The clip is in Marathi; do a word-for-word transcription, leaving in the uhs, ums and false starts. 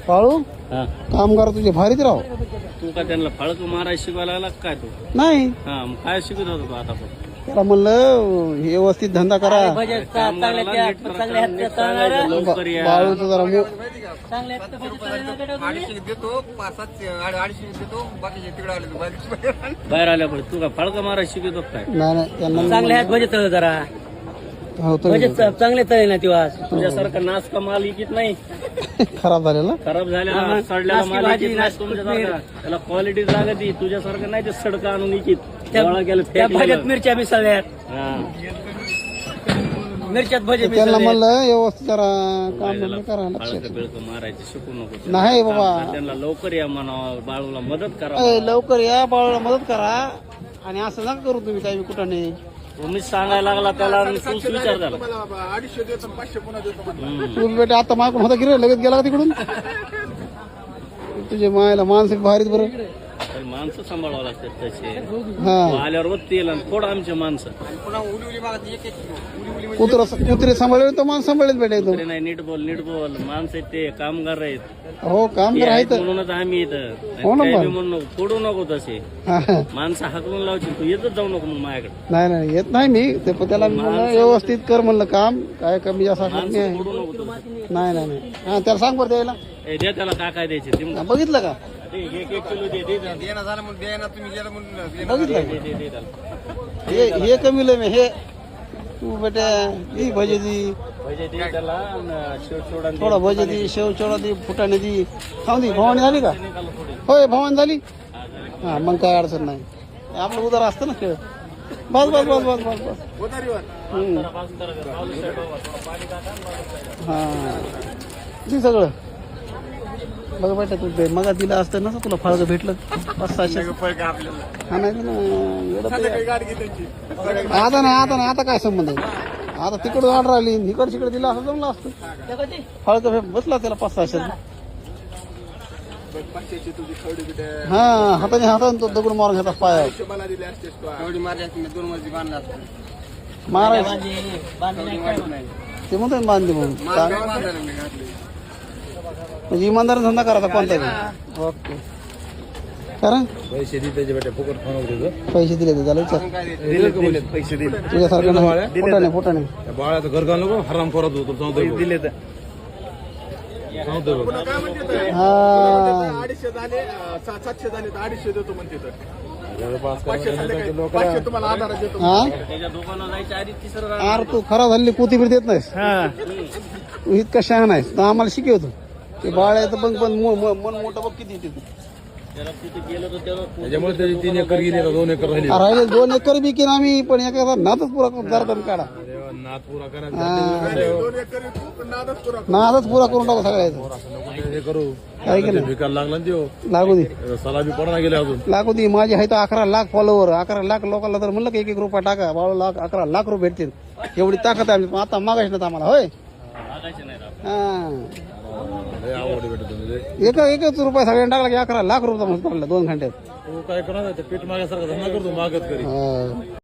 पाळू हा कामगार तुझे भारीच राव. तू का त्यांना फळक मारायला शिकवायला लागला का काय तू? नाही हा मग काय शिकत होता तू आता पण? त्याला म्हणलं व्यवस्थित धंदा करा. कामगाराला नीट प्रकारे नीट सांगायचं, लवकर या. बाळूचं जरा मो- बाहेर आल्या पण तू का फळक मारायला शिकतो काय? नाही नाही त्यांना चांगले आहेत बजेट तळ जरा हो तर बजेट चांगले तळे ना तेव्हा तुझ्यासारखा नाच का माल इकित नाही, खराब झालेला. खराब झालेला सडलेला माल इकित नाही तुमच्यासारखा. त्याला क्वालिटी लागती, तुझ्यासारखं नाही ते सडका आणून इकित. गोळा केलं, त्या फेकलेलं. भाज्यात मिरच्या मिसळल्यात हा. मिरच्यात भजे त्यांना मिसळले म्हणलं व्यवस्थित जरा काम धंदा करा. लक्षात फळक बिळक मारायचं शिकू नको. नाही बाबा. त्यांना लवकर या म्हणावं, बाळूला मदत करा. ए, लवकर या बाळूला मदत करा. आणि असं नका करू तुम्ही काही कुठं नाही. तुम्हीच सांगायला लागला त्याला आणि तूच विचार झाला. हम्म. तू बेटा आता मागून होता गिरे लगेच गेला का तिकडून. तुझे मायला मानसिक भारीच बरं. पण माणसं सांभाळावं लागतात तसे. हा आल्यावर वत्ती आणि थोडं आमचे माणसं कुत्र कुत्रे सांभाळले तर माणसं सांभाळलेत बेटा एकदम. तरी नाही, नीट बोल नीट बोल. माणसं आहेत ते, कामगार आहेत. हो काम ते तर आहेत आहे म्हणूनच आम्ही इथं. हो ना काही पण. बी म्हणू नको, फोडू नको तसे. तर माणसं हाकलून लावची, तू येतच जाऊ नको मग माझ्याकडे. नाही नाही येत नाही मी ते पण त्याला मी म्हणलं व्यवस्थित कर म्हणलं काम. काय कमी जास्त असलं माणसं नाही. फोडू नको तसे. नाही नाही नाही हा त्याला सांग बरं द्यायला. ए, दे त्याला काय काय द्यायचे ते मग. हा, बघितलं का दे, एक एक किलो दे, दे, दे. बघितलं दे, का दे, दे त्याला. हे हे कमी लय मी हे तू बेटा दी भजे दी भजे दे त्याला आणि शेवचोडा दे. थोडा भजे दी शेव चोळा दी फुटाणे दी खाऊ दी. भवानी झाली का? निकाल थोडी. होय भवानी झाली. हा, जरा. हा मग काय अडचण नाही. आपलं उदार असतं ना खेळ. बस बस बस बस बस बस हम्म. जरा बाजूला जरा, बाजूला side वर थोडं पाणी टाका आणि बाजूला side. हा ती सगळं बघ बेटा तू दे. मग दिलं असतं ना तुला फळग भेटलं पाच सहाशे. हा नाही ना एवढं ते- आता नाही आता नाही आता काय संबंध आहे. आता तिकडून ऑर्डर आली इकडे तिकडे दिलं असं जमलं असतं. फळग बसला त्याला पाच सहाशे. हा हाताने हाताने तो दगड मारून घेतात पाया मारायचं ते म्हणतात बांधली म्हणून. म्हणजे इमानदार धंदा करायचा कोणता. ओके कारण पैसे दिले त्याच्या बेटा फुकट खाऊ नको. पैसे दिले तर झालं विचार. दिले पैसे दिले तुझ्यासारखं नाही. फुटाणे फुटाणे त्या बाळाचं घर घालू नको हराम करत होतो सांगतो दिले तर सांगतो हा अडीचशे झाले सा- सातशे झाले तर अडीचशे देतो म्हणते तर जवळपास पाचशे झाले काय? पाचशे तुम्हाला आधार देतो. हा त्याच्या दुकानात जायच्या आधी तिसरं रान. अरे तू खराब झालेली कोथिंबीर देत नाहीस. तू इतका शहाणा आहेस तर आम्हाला शिकवतो. ते बाळ आहे तर पण पण मो- मो- मन मोठं बघ किती तिथे त्याला तिथे गेलो तर त्याला त्याच्यामुळे त्याची तीन एकर गेली आता दोन एकर राहिली राहिले दोन एकर बी की आम्ही पण एका नातच पुरा करून जरा कमी काढा. देवा, नाद पुरा करायचा हा. दोन एकर तू पण नादच पुरा नातच पुरा करून टाकू सगळ्याचं. असं नको हे करू काय केलं विकायला लागला ना त्यो लागू दे सलाबी पडा गेले अजून लागू दे. माझे आहे तर अकरा लाख फॉलोवर. अकरा लाख लोकांना तर म्हणलं की एक एक रुपया टाका बाळू लाख अकरा लाख रुपये भेटतील. एवढी ताकद आहे आमची. आता मागायच ना आम्हाला होय. लागायचे नाही राव. हा लय आवड भेटत तुम्ही एक एकच रुपया सगळ्यांना टाकला की अकरा लाख रुपये पडला दोन घंट्यात. तू काय करणार ते पीठ मागायसारखं धंदा करतो मागत करी हा.